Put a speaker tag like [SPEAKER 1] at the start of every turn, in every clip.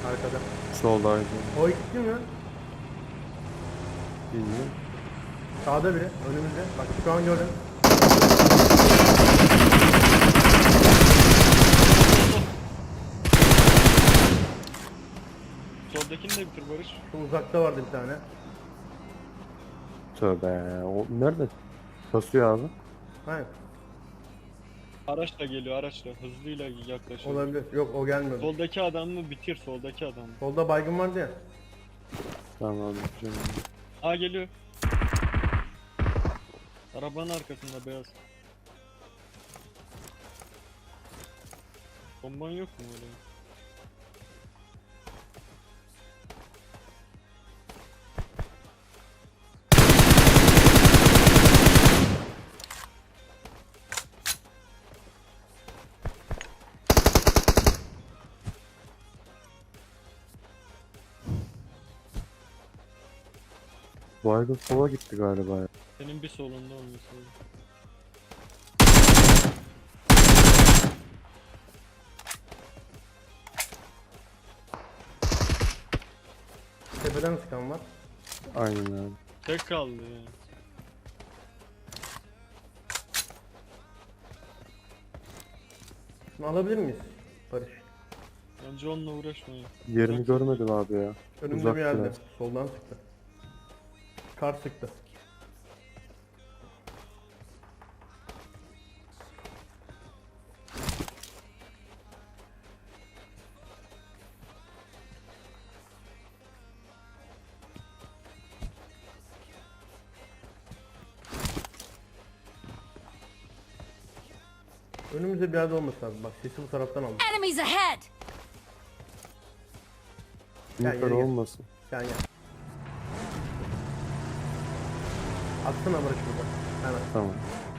[SPEAKER 1] Arkada.
[SPEAKER 2] Soldaydı.
[SPEAKER 1] O ikisi mi?
[SPEAKER 2] Bilmiyorum.
[SPEAKER 1] Sağda biri. Önümüzde. Bak şu an gördüm.
[SPEAKER 3] Soldakini de bitir Barış.
[SPEAKER 1] Şu uzakta vardı bir tane.
[SPEAKER 2] Tövbe. O nerede? Kasıyor abi.
[SPEAKER 1] Hayır.
[SPEAKER 3] Araçla geliyor araçla. Hızlıyla yaklaşıyor.
[SPEAKER 1] Olabilir. Yok o gelmedi.
[SPEAKER 3] Soldaki adamı bitir soldaki adamı.
[SPEAKER 1] Solda baygın vardı ya.
[SPEAKER 2] Tamam abi. Canım.
[SPEAKER 3] Aa geliyor. Arabanın arkasında beyaz. Bomban yok mu öyle?
[SPEAKER 2] Baygın sola gitti galiba ya.
[SPEAKER 3] Senin bir solunda olması lazım.
[SPEAKER 1] Tepeden sıkan var.
[SPEAKER 2] Aynen abi.
[SPEAKER 3] Tek kaldı yani.
[SPEAKER 1] Şunu alabilir miyiz? Barış.
[SPEAKER 3] Bence onunla uğraşmayın.
[SPEAKER 2] Yerini
[SPEAKER 3] Uzak-
[SPEAKER 2] görmedim abi ya.
[SPEAKER 1] Önümde
[SPEAKER 2] Uzak
[SPEAKER 1] bir yerde.
[SPEAKER 2] biraz.
[SPEAKER 1] Soldan sıktı. Kar sıktı. Önümüzde bir yerde olması lazım. Bak sesi bu taraftan aldım.
[SPEAKER 4] Enemies ahead!
[SPEAKER 1] Gel,
[SPEAKER 2] Yukarı
[SPEAKER 1] gel, gel.
[SPEAKER 2] olmasın.
[SPEAKER 1] Gel gel. Atsana Barış burada. Hemen.
[SPEAKER 2] Tamam.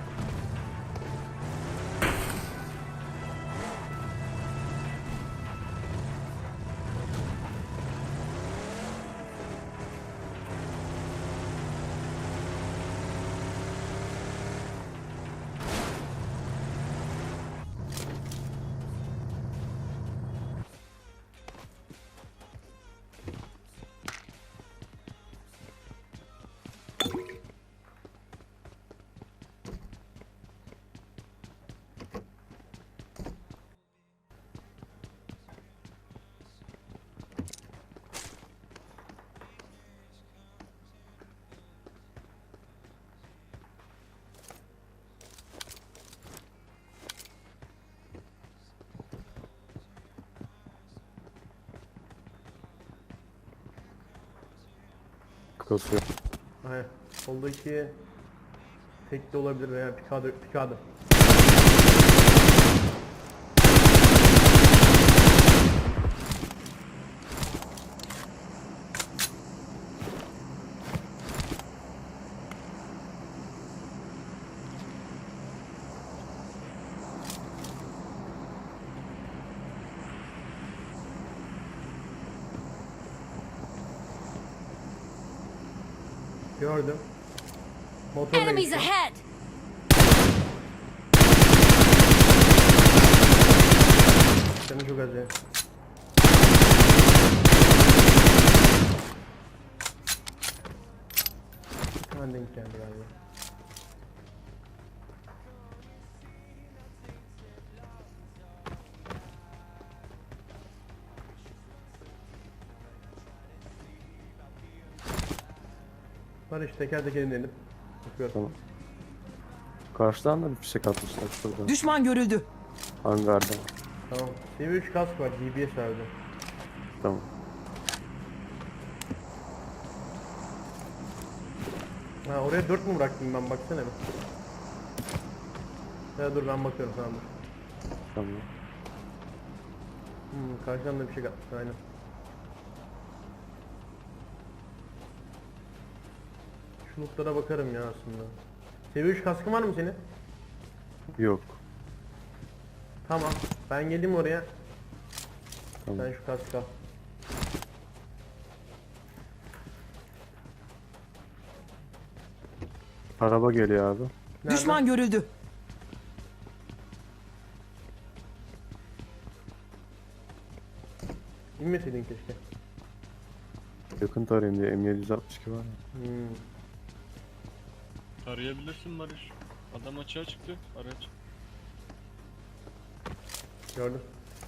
[SPEAKER 2] Kasıyor.
[SPEAKER 1] Aynen. Soldaki tek de olabilir veya pikadı. Gördüm. Motorla
[SPEAKER 4] Enemies
[SPEAKER 1] geçiyor.
[SPEAKER 4] ahead!
[SPEAKER 1] Canı çok az ya. Hemen denk geldi galiba. Barış teker teker inelim. Bakıyorum.
[SPEAKER 2] Tamam. Karşıdan da bir fişek atmışlar şurada.
[SPEAKER 5] Düşman görüldü.
[SPEAKER 2] Hangarda.
[SPEAKER 1] Tamam. TV3 kask var. DBS verdi.
[SPEAKER 2] Tamam.
[SPEAKER 1] Ha oraya 4 mu bıraktım ben baksana bir. Ya dur ben bakıyorum sana dur.
[SPEAKER 2] Tamam.
[SPEAKER 1] Karşıdan da bir şey atmış aynen. Şu lootlara bakarım ya aslında. Seviye 3 kaskın var mı senin?
[SPEAKER 2] Yok.
[SPEAKER 1] Tamam. Ben geleyim oraya.
[SPEAKER 2] Tamam.
[SPEAKER 1] Sen şu kaskı al.
[SPEAKER 2] Araba geliyor abi.
[SPEAKER 1] Nerede?
[SPEAKER 5] Düşman görüldü.
[SPEAKER 1] İnmeseydin keşke.
[SPEAKER 2] Yakın tarayayım diye M762 var ya.
[SPEAKER 1] Hmm.
[SPEAKER 3] Arayabilirsin Barış. Adam açığa çıktı. Araç.
[SPEAKER 1] Gördüm.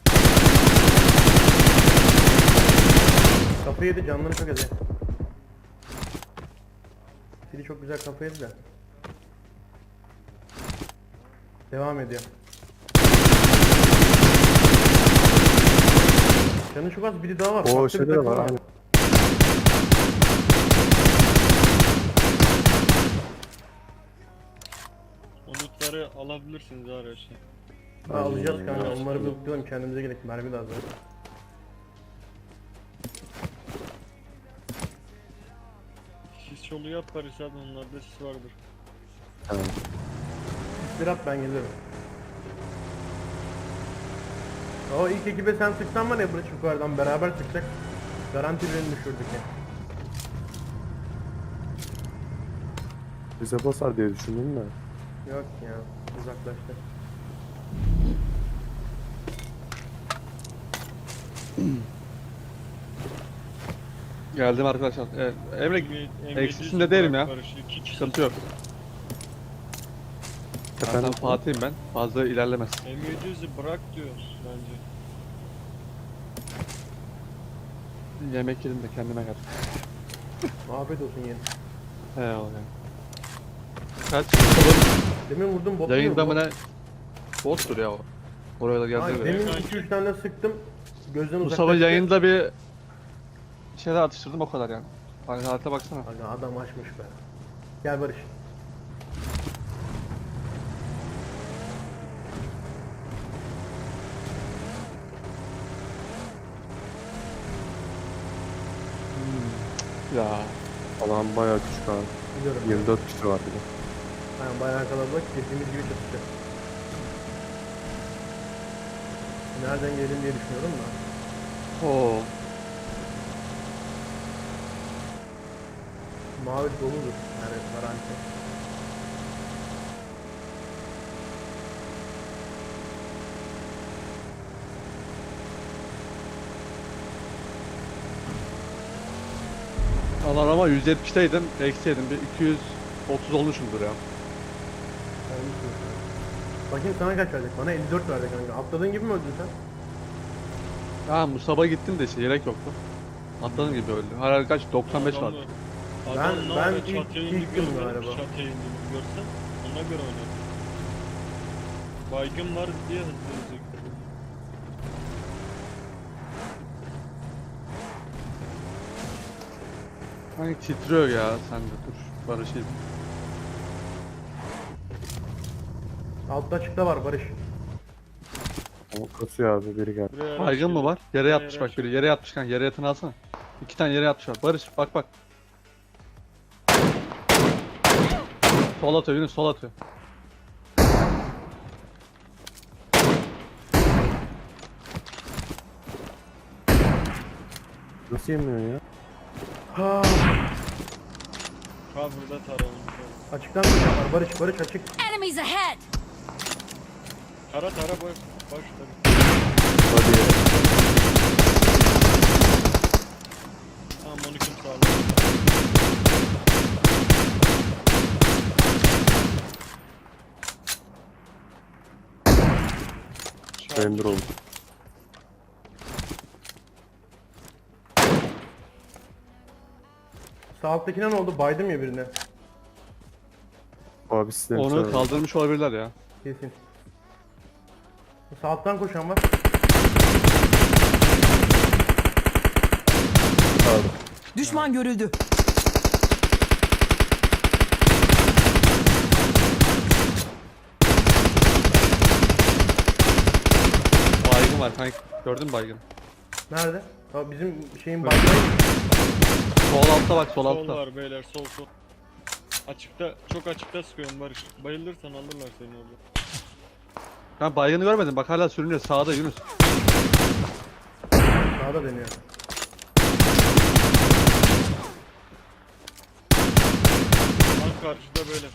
[SPEAKER 1] Kapı yedi, canlarını çok edi. Fili çok güzel kapı yedi de. Devam ediyor. Canı çok az, biri daha var.
[SPEAKER 2] O
[SPEAKER 1] Farklı bir
[SPEAKER 2] şeyde de
[SPEAKER 1] takım
[SPEAKER 2] var. Aynı.
[SPEAKER 3] O lootları alabilirsiniz araçta.
[SPEAKER 1] Ha, alacağız
[SPEAKER 2] Aynen,
[SPEAKER 1] kanka,
[SPEAKER 2] aynen.
[SPEAKER 1] onları bir okuyalım, kendimize gerek, mermi lazım.
[SPEAKER 3] Sis yolu yap Barış abi, onlarda sis vardır.
[SPEAKER 2] Tamam.
[SPEAKER 1] Bir at, ben gelirim. O ilk ekibe sen sıksan var ya, Barış yukarıdan beraber sıkacak. Garanti birini düşürdük ya.
[SPEAKER 2] Bize basar diye düşündüm de.
[SPEAKER 1] Yok ya, uzaklaştı.
[SPEAKER 4] Geldim arkadaşlar. Emre
[SPEAKER 3] M700
[SPEAKER 4] eksisinde değilim ya.
[SPEAKER 3] Barış, 2 kişi.
[SPEAKER 4] sıkıntı yok. Zaten
[SPEAKER 2] Efendim?
[SPEAKER 4] Fatih'im ben. Fazla ilerlemez.
[SPEAKER 3] M700'ü bırak diyor bence.
[SPEAKER 4] Yemek yedim de kendime geldim.
[SPEAKER 1] Afiyet olsun yeni.
[SPEAKER 4] Eyvallah. Kaç Mustafa'nın
[SPEAKER 1] Demin vurdum bot
[SPEAKER 4] yayında
[SPEAKER 1] mu?
[SPEAKER 4] mı ne? Bottur ya o. Oraya da
[SPEAKER 1] Hayır,
[SPEAKER 4] geldi.
[SPEAKER 1] demin
[SPEAKER 3] Kanki.
[SPEAKER 1] 2-3 tane sıktım. Gözden
[SPEAKER 4] Mustafa
[SPEAKER 1] uzaklaştı.
[SPEAKER 4] yayında bir şeyler atıştırdım o kadar yani. Hani halete baksana.
[SPEAKER 1] Aga adam açmış be. Gel Barış.
[SPEAKER 4] Ya.
[SPEAKER 2] Alan bayağı küçük abi.
[SPEAKER 1] Biliyorum.
[SPEAKER 2] 24 kişi var bir de.
[SPEAKER 1] Aynen, bayağı kalabalık. Dediğimiz gibi çatışacak. Nereden gelelim diye düşünüyorum da.
[SPEAKER 4] Oo.
[SPEAKER 1] Mavi doludur. Yani garanti.
[SPEAKER 4] Alan ama 170'teydim. Eksiydim. Bir 230 olmuşumdur ya.
[SPEAKER 1] Olmuşsun. Bakayım sana kaç verdik? Bana 54 verdi kanka. Atladığın gibi mi öldün sen?
[SPEAKER 4] Ha Mustafa gittim de işte yelek yoktu. Atladığım gibi öldü. Herhalde kaç? 95 var.
[SPEAKER 1] Ben ilk gün galiba.
[SPEAKER 3] Çatıya indiğini görsen ona göre oynar. Baygın var diye hızlı hızlı yükledim.
[SPEAKER 4] Hani titriyor ya sen de dur. Barış'ı.
[SPEAKER 1] Altta açıkta var Barış.
[SPEAKER 2] O kasıyor abi, biri geldi.
[SPEAKER 3] Buraya araç
[SPEAKER 4] Baygın mı
[SPEAKER 3] geliyor.
[SPEAKER 4] var? Yere
[SPEAKER 3] Buraya
[SPEAKER 4] yatmış
[SPEAKER 3] araç
[SPEAKER 4] bak biri. Yere yatmış kanka. Yere yatını alsana. 2 tane yere yatmış var. Barış bak bak. Sol atıyor Yunus, sol atıyor.
[SPEAKER 2] Nasıl yemiyor ya?
[SPEAKER 1] Ha,
[SPEAKER 3] Cover'da taralım.
[SPEAKER 1] açıktan bir şey var. Barış açık.
[SPEAKER 5] Enemies ahead!
[SPEAKER 3] Tara boş tabii.
[SPEAKER 2] Hadi.
[SPEAKER 3] Tamam onu kim sağladı?
[SPEAKER 2] Render oldu.
[SPEAKER 1] Sağ alttakine ne oldu? Baydım ya birine.
[SPEAKER 2] Abi sistem
[SPEAKER 4] Onu kaldırmış olabilirler ya.
[SPEAKER 1] Kesin. Sağ alttan koşan var.
[SPEAKER 2] abi.
[SPEAKER 6] Düşman görüldü.
[SPEAKER 4] Baygın var kanka. Gördün mü baygın?
[SPEAKER 1] Nerede? Ha, bizim şeyin baygın.
[SPEAKER 4] Sol altta bak, sol
[SPEAKER 3] Sol
[SPEAKER 4] altta.
[SPEAKER 3] var beyler, sol. Açıkta, çok açıkta sıkıyorum Barış. Bayılırsan alırlar seni orada.
[SPEAKER 4] Ben baygını görmedim. Bak hala sürünüyor. Sağda Yunus.
[SPEAKER 1] Sağda deniyor.
[SPEAKER 3] Lan karşıda böyle.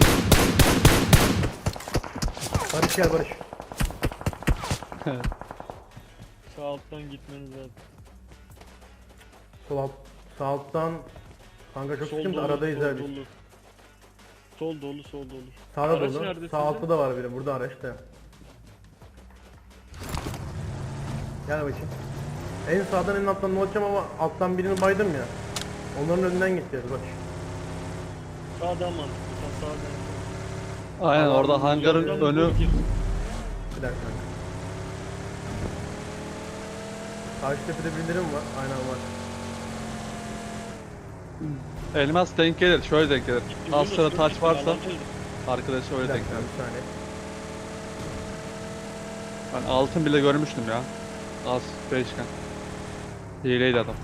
[SPEAKER 1] Barış gel Barış.
[SPEAKER 3] Sağ alttan gitmeniz lazım.
[SPEAKER 1] Sol alt, sağ alttan kanka çok sıkıntı aradayız
[SPEAKER 3] sol
[SPEAKER 1] abi.
[SPEAKER 3] dolu. Sol dolu, sol dolu.
[SPEAKER 1] Sağda
[SPEAKER 3] Araç
[SPEAKER 1] dolu.
[SPEAKER 3] nerede
[SPEAKER 1] Sağ
[SPEAKER 3] sizin?
[SPEAKER 1] altta da var biri. Burada araçta. Gel bakayım. En sağdan en alttan ne olacağım ama alttan birini baydım ya. Onların önünden gideceğiz bak.
[SPEAKER 3] Sağdan mantıklı. Sen sağdan.
[SPEAKER 4] Aynen orada
[SPEAKER 1] Allah'ım,
[SPEAKER 4] hangarın
[SPEAKER 3] Oradan
[SPEAKER 4] önü.
[SPEAKER 3] gir.
[SPEAKER 1] Bir dakika. Karşı tepede birileri mi var? Aynen var.
[SPEAKER 4] Elmas denk gelir. Şöyle denk gelir. Az
[SPEAKER 3] Yunus,
[SPEAKER 4] sıra
[SPEAKER 3] dur,
[SPEAKER 4] taç
[SPEAKER 3] gitme,
[SPEAKER 4] varsa
[SPEAKER 3] alan çözdüm.
[SPEAKER 4] arkadaşı
[SPEAKER 1] Bir
[SPEAKER 4] öyle denk
[SPEAKER 1] dakika
[SPEAKER 4] gelir.
[SPEAKER 1] bir saniye.
[SPEAKER 4] Ben altın bile görmüştüm ya. Az beşken. Hileydi adam.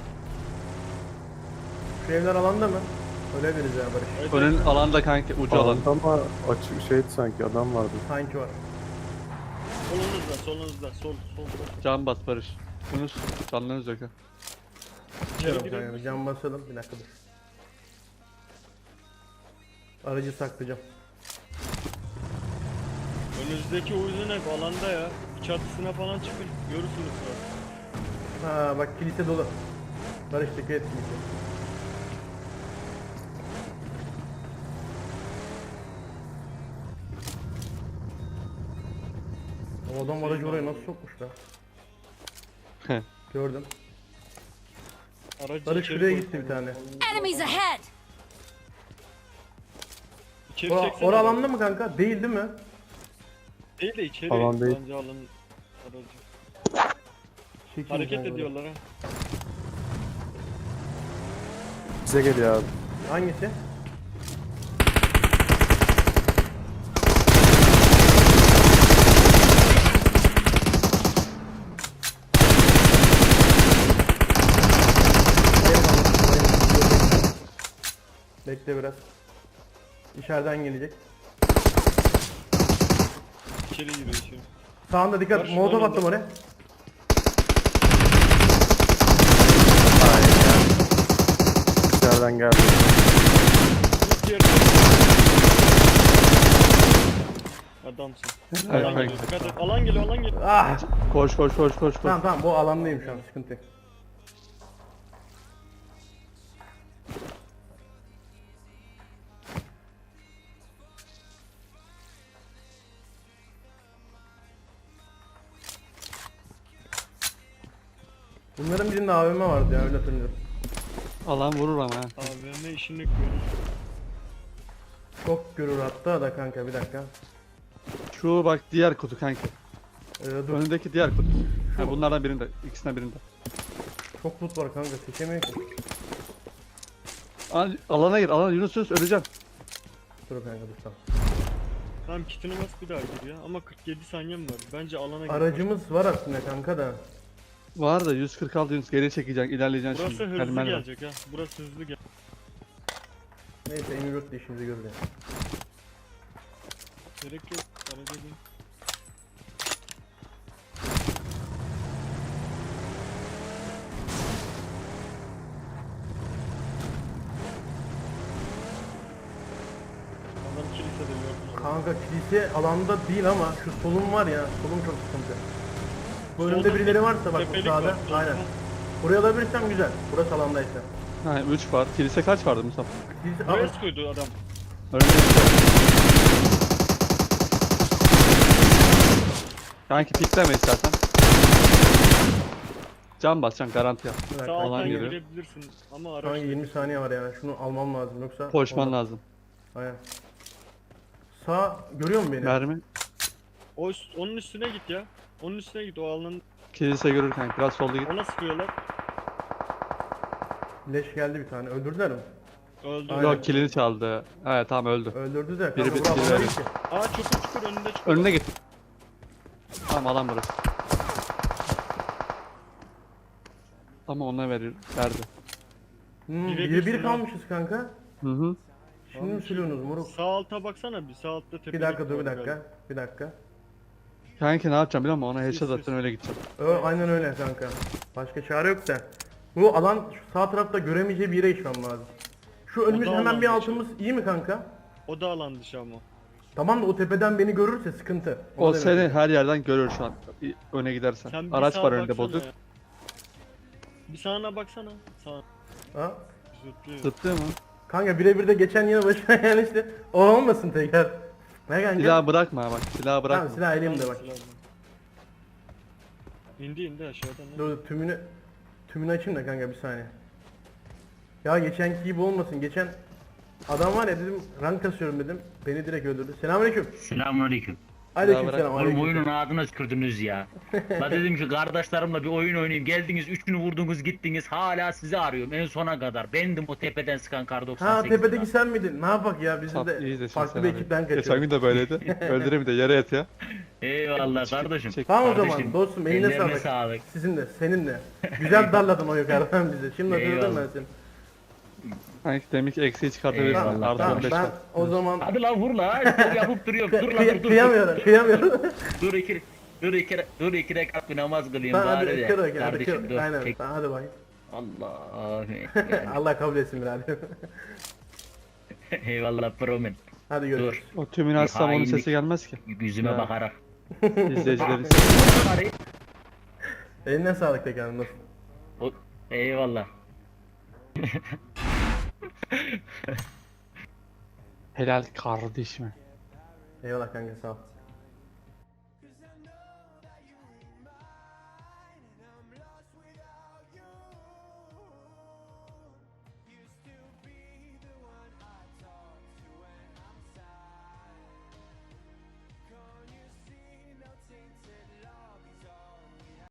[SPEAKER 1] Şu evler alanda mı? Öyle deriz ya Barış.
[SPEAKER 3] Evet,
[SPEAKER 4] Önün alanda kanki ucu alan.
[SPEAKER 2] Alanda ama açık şeydi sanki adam vardı.
[SPEAKER 1] Sanki var.
[SPEAKER 3] Solunuzda, solunuzda. Sol, sol.
[SPEAKER 4] Can bas Barış. Yunus canlarınız yok ha.
[SPEAKER 1] Biliyorum
[SPEAKER 3] girelim
[SPEAKER 1] kanka.
[SPEAKER 3] mi?
[SPEAKER 1] Bir cam basalım. Bir dakika dur. Aracı saklayacağım.
[SPEAKER 3] Önünüzdeki uyuzun hep alanda ya. Bir çatısına falan çıkın. Görürsünüz sonra.
[SPEAKER 1] Ha bak kilise dolu. Barış dikkat et kilise. O adam aracı oraya nasıl sokmuş lan? Gördüm.
[SPEAKER 3] Aracı
[SPEAKER 1] Barış
[SPEAKER 3] içeri
[SPEAKER 1] şuraya
[SPEAKER 3] koy.
[SPEAKER 1] gitti bir tane.
[SPEAKER 5] Enemies ahead!
[SPEAKER 3] İçeri
[SPEAKER 1] Ora,
[SPEAKER 3] çeksene
[SPEAKER 1] ora
[SPEAKER 3] aracı.
[SPEAKER 1] alanda mı kanka? Değil değil mi?
[SPEAKER 3] Değil de içeri.
[SPEAKER 2] Alan değil.
[SPEAKER 3] Bence alanın aracı.
[SPEAKER 1] Çekil
[SPEAKER 3] Hareket
[SPEAKER 1] kanka.
[SPEAKER 3] ediyorlar ha.
[SPEAKER 2] Bize geliyor abi.
[SPEAKER 1] Hangisi? Bekle biraz. İçeriden gelecek.
[SPEAKER 3] İçeri giriyor şimdi.
[SPEAKER 1] Sağında dikkat.
[SPEAKER 3] Barış,
[SPEAKER 1] Molotof
[SPEAKER 3] önünde.
[SPEAKER 1] attım oraya.
[SPEAKER 2] İçeriden geldi.
[SPEAKER 3] Tut yerine. Adamsın.
[SPEAKER 4] Evet,
[SPEAKER 3] Alan
[SPEAKER 4] kanka.
[SPEAKER 3] geliyor. Dikkat et. Alan geliyor, alan geliyor.
[SPEAKER 1] Ah!
[SPEAKER 4] Koş koş koş koş koş.
[SPEAKER 1] Tamam tamam bu alandayım şu an sıkıntı yok. Bunların birinde AVM vardı ya öyle hatırlıyorum.
[SPEAKER 4] Alan vurur ama ha.
[SPEAKER 3] AVM işini görür.
[SPEAKER 1] Çok görür hatta da kanka bir dakika.
[SPEAKER 4] Şu bak diğer kutu kanki.
[SPEAKER 1] Dur
[SPEAKER 4] Önündeki diğer kutu. Ha, bunlardan birinde. İkisinden birinde.
[SPEAKER 1] çok loot var kanka seçemiyor ki.
[SPEAKER 4] Alana gir. Alana Yunus Yunus öleceğim.
[SPEAKER 1] Dur kanka dur tamam.
[SPEAKER 3] Tamam kitini bas bir daha gir ya. Ama 47 saniyem var. Bence alana gir.
[SPEAKER 1] Aracımız var aslında kanka da.
[SPEAKER 4] Var da 146 Yunus geri çekeceksin. İlerleyeceksin
[SPEAKER 3] Burası
[SPEAKER 4] şimdi.
[SPEAKER 3] hızlı
[SPEAKER 4] Helmen var.
[SPEAKER 3] gelecek ha. Burası hızlı gel.
[SPEAKER 1] Neyse Emirut da işimizi görür ya.
[SPEAKER 3] Gerek yok. Araca bin. Adam kilisede gördüm.
[SPEAKER 1] Kanka kilise alanda değil ama şu solum var ya solum çok sıkıntı. Bu önümde
[SPEAKER 3] Solda
[SPEAKER 1] birileri
[SPEAKER 3] bir
[SPEAKER 1] varsa bak bu
[SPEAKER 3] tepelik
[SPEAKER 1] sağda
[SPEAKER 3] var, solda.
[SPEAKER 1] aynen. Burayı alabilirsem güzel. Burası alandaysa.
[SPEAKER 4] Ha 3 var. Kilise kaç vardı Mustafa?
[SPEAKER 1] Kilise
[SPEAKER 3] Buraya
[SPEAKER 1] Aa,
[SPEAKER 3] sıkıyordu adam.
[SPEAKER 4] Önünde Kanki pikleme istersen. Can basacaksın garanti yap.
[SPEAKER 1] bir dakika.
[SPEAKER 3] Sağ
[SPEAKER 4] Alan
[SPEAKER 3] alttan
[SPEAKER 4] geliyor.
[SPEAKER 3] girebilirsin. Ama
[SPEAKER 1] Şu an
[SPEAKER 3] araç
[SPEAKER 1] 20 saniye var ya. Şunu almam lazım yoksa.
[SPEAKER 4] Koşman
[SPEAKER 1] olmaz.
[SPEAKER 4] lazım.
[SPEAKER 1] Aynen. Sağ görüyor musun beni?
[SPEAKER 4] Mermi.
[SPEAKER 3] onun üstüne git ya. Onun üstüne git o alanın.
[SPEAKER 4] Kilise görür kanki. Biraz solda git.
[SPEAKER 3] Ona sıkıyorlar.
[SPEAKER 1] Leş geldi bir tane. Öldürdüler mi?
[SPEAKER 3] Öldü.
[SPEAKER 1] Aynen.
[SPEAKER 4] Yok kilini çaldı. Evet tamam öldü.
[SPEAKER 1] Öldürdü de.
[SPEAKER 4] Biri
[SPEAKER 1] Kanka
[SPEAKER 4] bir-
[SPEAKER 1] bura
[SPEAKER 4] biri
[SPEAKER 1] alanda
[SPEAKER 4] öyle.
[SPEAKER 1] değil ki.
[SPEAKER 3] Aa çukur çukur önünde çukur.
[SPEAKER 4] Önüne git. Tamam alan burası. Ama ona verdi.
[SPEAKER 1] Biri bir
[SPEAKER 3] ha.
[SPEAKER 1] kalmışız kanka.
[SPEAKER 4] Hı hı.
[SPEAKER 1] Şimdi mi sürüyorsunuz moruk?
[SPEAKER 3] Sağ alta baksana bir sağ altta tepelik
[SPEAKER 1] Bir dakika dur
[SPEAKER 3] var
[SPEAKER 1] bir dakika.
[SPEAKER 3] galiba.
[SPEAKER 1] Bir dakika.
[SPEAKER 4] Kanki ne yapacağım biliyor musun? Ona headshot
[SPEAKER 3] Sis, sis.
[SPEAKER 4] atacaksın öyle gideceğim.
[SPEAKER 1] Aynen öyle kanka. Başka çare yok da. Bu alan şu sağ tarafta göremeyeceği bir yere geçmem lazım. Şu önümüz
[SPEAKER 3] da
[SPEAKER 1] hemen
[SPEAKER 3] alan
[SPEAKER 1] bir
[SPEAKER 3] dışı.
[SPEAKER 1] altımız iyi mi kanka?
[SPEAKER 3] O da alan dışı ama.
[SPEAKER 1] Tamam da o tepeden beni görürse sıkıntı.
[SPEAKER 4] O
[SPEAKER 1] demek.
[SPEAKER 4] seni her yerden görür şu an. Öne gidersen.
[SPEAKER 3] Sen bir
[SPEAKER 4] Araç
[SPEAKER 3] sağa
[SPEAKER 4] var önünde
[SPEAKER 3] baksana
[SPEAKER 4] bozuk.
[SPEAKER 3] ya. Bir sağına baksana. Sağ.
[SPEAKER 1] Ha?
[SPEAKER 3] Zıplıyor.
[SPEAKER 4] Zıplıyor mu?
[SPEAKER 1] Kanka birebir de geçen yine başına yani işte o olmasın tekrar. Ne kanka?
[SPEAKER 4] Silahı bırakma bak. Silahı
[SPEAKER 1] Tamam
[SPEAKER 4] bırakma.
[SPEAKER 1] silah elimde bak.
[SPEAKER 3] İndi aşağıdan.
[SPEAKER 1] Dur dur, tümünü açayım da kanka bir saniye. Ya geçenki gibi olmasın. Geçen adam var ya dedim rank kasıyorum dedim. Beni direkt öldürdü. Selamünaleyküm.
[SPEAKER 5] Selamünaleyküm.
[SPEAKER 1] Aleykümselam.
[SPEAKER 5] Oğlum
[SPEAKER 1] Aleyküm.
[SPEAKER 5] oyunun ağzına tükürdünüz ya. La dedim ki kardeşlerimle bir oyun oynayayım. Geldiniz üçünü vurdunuz gittiniz. Hala sizi arıyorum en sona kadar. Bendim o tepeden sıkan kar 98.
[SPEAKER 1] Ha tepedeki sen miydin? Ne yapak ya bizim
[SPEAKER 4] Sap, iyi
[SPEAKER 1] de
[SPEAKER 4] de
[SPEAKER 1] farklı
[SPEAKER 4] sen
[SPEAKER 1] bir
[SPEAKER 4] abi.
[SPEAKER 1] ekipten
[SPEAKER 4] Geçen
[SPEAKER 1] kaçıyoruz.
[SPEAKER 4] gün de böyleydi. Öldüreyim de yere yat ya.
[SPEAKER 5] Eyvallah kardeşim.
[SPEAKER 4] çek.
[SPEAKER 1] Tamam o zaman
[SPEAKER 5] Kardeşim,
[SPEAKER 1] dostum eline
[SPEAKER 5] ellerine
[SPEAKER 1] sağlık.
[SPEAKER 5] sağlık.
[SPEAKER 1] Sizin de senin de. Güzel darladın o yukarıdan bizi. Şimdi hatırladım ben
[SPEAKER 5] Eyvallah.
[SPEAKER 1] seni.
[SPEAKER 4] Hani demek ki eksiği çıkartabilirsin.
[SPEAKER 5] Eyvallah,
[SPEAKER 1] Tamam,
[SPEAKER 4] Artı
[SPEAKER 1] tamam
[SPEAKER 4] 15
[SPEAKER 1] ben
[SPEAKER 4] var.
[SPEAKER 1] o zaman
[SPEAKER 5] Hadi lan vur la. Yapıp duruyorum. Dur lan dur.
[SPEAKER 1] kıyamıyorum kıyamıyorum.
[SPEAKER 5] Dur iki rekat bir namaz kılayım
[SPEAKER 1] Tamam
[SPEAKER 5] bari
[SPEAKER 1] hadi
[SPEAKER 5] de.
[SPEAKER 1] kır hadi
[SPEAKER 5] Kardeşim
[SPEAKER 1] kır.
[SPEAKER 5] dur.
[SPEAKER 1] Aynen
[SPEAKER 5] Çek.
[SPEAKER 1] tamam, hadi bakayım.
[SPEAKER 5] Allah.
[SPEAKER 1] Allah kabul etsin birader.
[SPEAKER 5] Eyvallah promen.
[SPEAKER 1] Hadi görüşürüz.
[SPEAKER 5] Dur.
[SPEAKER 4] O tümünü açsam onun
[SPEAKER 5] hainlik.
[SPEAKER 4] sesi gelmez ki.
[SPEAKER 5] Yüzüme
[SPEAKER 4] Ya.
[SPEAKER 5] bakarak.
[SPEAKER 4] İzleyicilerin sesi.
[SPEAKER 1] Eline sağlık tekrar nasıl?
[SPEAKER 5] Eyvallah.
[SPEAKER 4] Helal kardeşim.
[SPEAKER 1] Eyvallah kanka sağ ol.